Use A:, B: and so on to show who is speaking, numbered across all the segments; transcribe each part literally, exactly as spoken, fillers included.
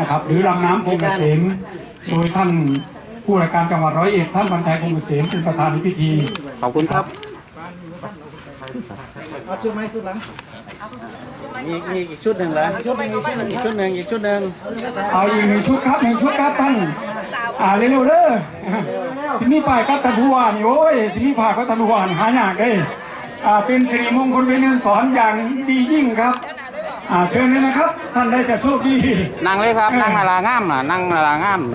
A: นะครับหรือลำน้ำคงเกษมโดยท่านผู้ว่าการจังหวัดร้อยเอ็ดท่านบรรทัยคงเกษมเป็นประธานในพิธี
B: ขอบคุณครับ
C: เอาชุดไหมชุดหลังมีมีอีกชุดหนึ่งเหรออีกชุดหนึ่งอีกชุดหนึ่งอีกชุดหนึ่ง
A: เอาอีกหนึ่งชุดครับหนึ่งชุดครับท่านอ่าเร็วๆเด้อที่นี่ป่ายก็ตันหัวนี่โอ้ยที่นี่ผ่าก็ตันหัวหายากเลยอ่าเป็นสิริมงคลเป็นเงินสอนอย่างดียิ่งครับอ่าเชิญเลยนะครับท่านได้จะโชคดี
B: นั่งเลยครับนั่งนาลางามน่ะนั่งนาลางาม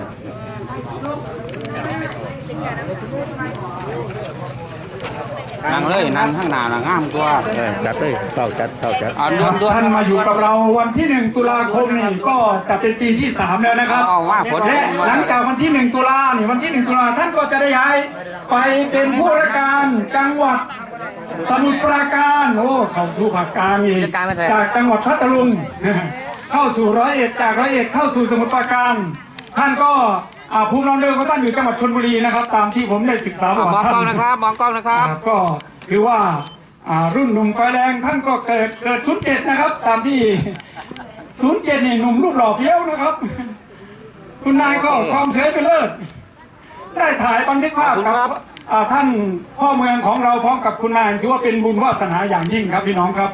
B: นั่งเลยนั่งข้างหน้าละงามกว่า
D: จัดเลยเข้าจัดเข้าจัด
A: ท่านมาอยู่กับเราวันที่หนึ่งตุลาคมนี่ก็จะเป็นปีที่สามแล้วนะครับและหลังจากวันที่หนึ่งตุลานี่วันที่หนึ่งตุลาท่านก็จะได้ย้ายไปเป็นผู้ราชการจังหวัดสมุทรปราการโอ้เข้าสู่ภาคกลางอีกจากจังหวัดพัทลุงเข้าสู่ร้อยเอ็ดจากร้อยเอ็ดเข้าสู่สมุทรปราการท่านก็ภูมิลำเนินของท่านอยู่จังหวัดชลบุรีนะครับตามที่ผมได้ศึกษาประวัติท่าน
B: มองกล้องนะครับมองกล้องนะครับ
A: ก็คือว่ารุ่นหนุ่มไฟแรงท่านก็เกิดเกิดศูนย์เจ็ดนะครับตามที่ศูนย์เจ็ดนี่หนุ่มรูปหล่อเฟี้ยวนะครับคุณนายก็ความเสยไปเลิศได้ถ่ายบันทึกภาพกับท่านพ่อเมืองของเราพร้อมกับคุณนายถือว่าเป็นบุญวาสนาอย่างยิ่งครับพี่น้องครับ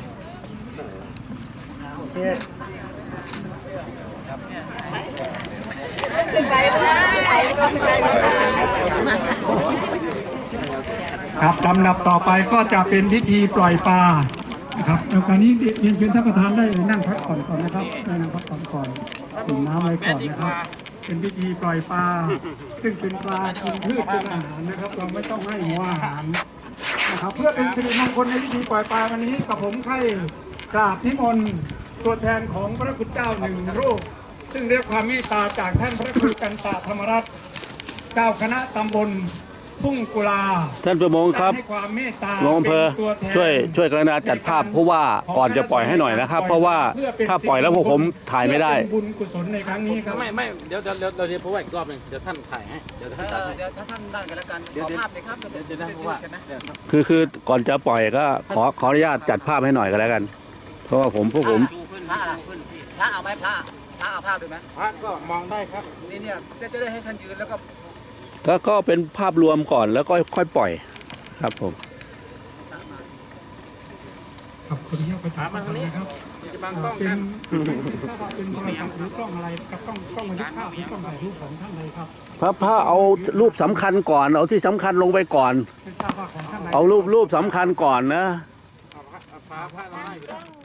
A: ครับลำดับต่อไปก็จะเป็นพิธีปล่อยปลานะครับแล้วตอนนี้เรียนเชิญท่านประธานได้นั่งพักผ่อนก่อนนะครับได้นั่งพักผ่อนก่อนดื่มน้ำไว้ก่อนนะครับเป็นพิธีปล่อยปลาซึ่งเป็นปลากินพืชเป็นอาหารนะครับเราไม่ต้องให้หัวอาหารนะครับเพื่อเป็นสิริมงคลในพิธีปล่อยปลาวันนี้กับผมให้กราบนิมนต์ตัวแทนของพระคุณเจ้าหนึ่งรูปซึ่งเรียกความเมตตาจากท่านพระครูกันตะธรรมรัตน์เจ้าคณะตำบลทุ่งกุลา
D: ท่านประมงครับหลวงอำเภอช่วยช่วยกรุณาจัดภาพเพราะว่าก่อนจะปล่อยให้หน่อยนะครับเพราะว่าถ้าปล่อยแล้วพวกผมถ่ายไม่ได้
A: บุญกุศลในครั้งนี้ครับ
C: ไม่ไม่เดี๋ยวเดี๋ยวเราจะพูดอีกรอบหนึ่งเดี๋ยวท่านถ่ายให้เดี๋ยวท่านเดี๋ยวถ้าท่านด้านกันแล้วกันขอภาพเลยครับเดี๋ยวท่านพูดว่า
D: คือคือก่อนจะปล่อยก็ขอขออนุญาตจัดภาพให้หน่อยก็แล้วกันเพราะว่าผมพวกผม
C: พระอะไรพระเอาไหมพระพระเอาภาพดูไหมพระก็มองได้ครับนี่เนี่ยจะจะได้ให้ท่านยืนแล้วก็
D: ก็ก็เป็นภาพรวมก่อนแล้วก็ค่อยปล่อยครับผม
A: ขอบคุณที่ประชาสัมพันธ์นะครับ
C: จะบังกล้องกัน
A: เป็นทราบว่าเป็นโทรศัพท์หรือกล้องอะไรกับกล้องกล้องบันทึกภาพหรือกล้องถ่ายรูปของท่านใดครับ
D: พระพระเอารูปสำคัญก่อนเอาที่สำคัญลงไปก่อนเอารูปรูปสำคัญก่อนนะ
C: พระพระเราได้